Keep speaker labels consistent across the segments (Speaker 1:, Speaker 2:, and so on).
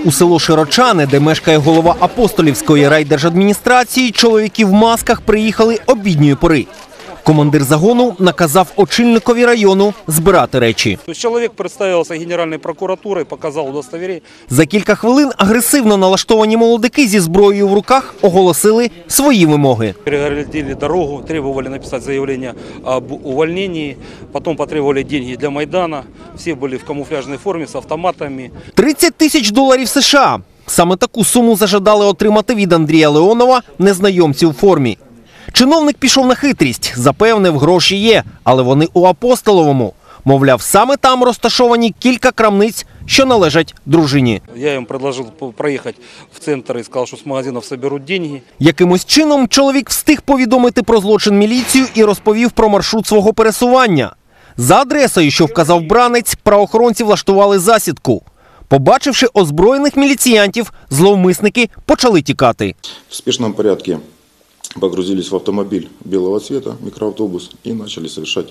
Speaker 1: У село Широчани, де мешкає голова Апостолівської райдержадміністрації, чоловіки в масках приїхали обідньої пори. Командир загону наказав очільникові району збирати речі.
Speaker 2: Чоловік представився Генеральною прокуратурою, показав удостовірення.
Speaker 1: За кілька хвилин агресивно налаштовані молодики зі зброєю в руках оголосили свої вимоги.
Speaker 2: Перегородили дорогу, требували написати заявлення об увольненні, потім потребували гроші для Майдану. Всі були в камуфляжній формі з автоматами.
Speaker 1: $30 тисяч США. Саме таку суму зажадали отримати від Андрія Леонова незнайомці у формі. Чиновник пішов на хитрість, запевнив, гроші є, але вони у Апостоловому. Мовляв, саме там розташовані кілька крамниць, що належать дружині.
Speaker 2: Я їм пропонував проїхати в центр і сказав, що з магазинів зберуть гроші.
Speaker 1: Якимось чином чоловік встиг повідомити про злочин міліцію і розповів про маршрут свого пересування. За адресою, що вказав бранець, правоохоронці влаштували засідку. Побачивши озброєних міліціянтів, зловмисники почали тікати.
Speaker 3: В спешном порядке погрузились в автомобиль белого цвета, микроавтобус, и начали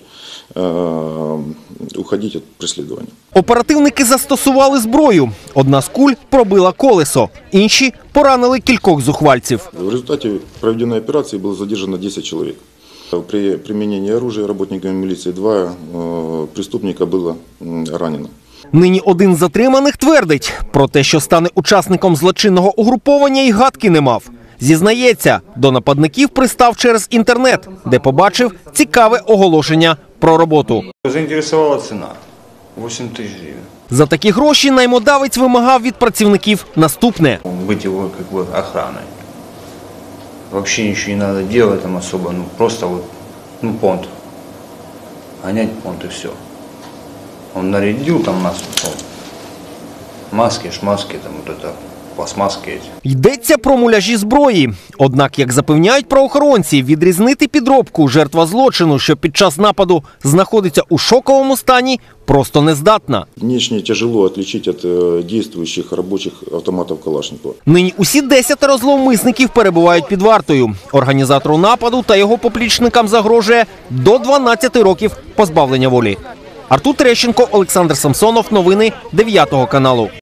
Speaker 3: уходить от преследования.
Speaker 1: Оперативники застосували зброю. Одна з куль пробила колесо, інші поранили кількох зухвальців.
Speaker 3: В результате проведенной операции было задержано 10 человек. При применении оружия работниками милиции 2 преступника было ранено.
Speaker 1: Нині один з затриманих твердить, про те, що стане учасником злочинного угруповання, і гадки не мав. Зізнається, до нападників пристав через інтернет, де побачив цікаве оголошення про роботу.
Speaker 4: Заінтересувала ціна – 8 тисяч гривень.
Speaker 1: За такі гроші наймодавець вимагав від працівників наступне.
Speaker 4: Бути його охраною. Взагалі нічого не треба робити там особо, просто понт. Гонять понт і все. Він нарядив там нас, маски, шмаски, там вот это. Пластмаски.
Speaker 1: Йдеться про муляжі зброї. Однак, як запевняють правоохоронці, відрізнити підробку жертва злочину, що під час нападу знаходиться у шоковому стані, просто не здатна.
Speaker 3: Внешне тяжело отличить от действующих рабочих автоматов Калашникова.
Speaker 1: Нині усі 10 зловмисників перебувають під вартою. Організатору нападу та його поплічникам загрожує до 12 років позбавлення волі. Артур Терещенко, Олександр Самсонов. Новини 9 каналу.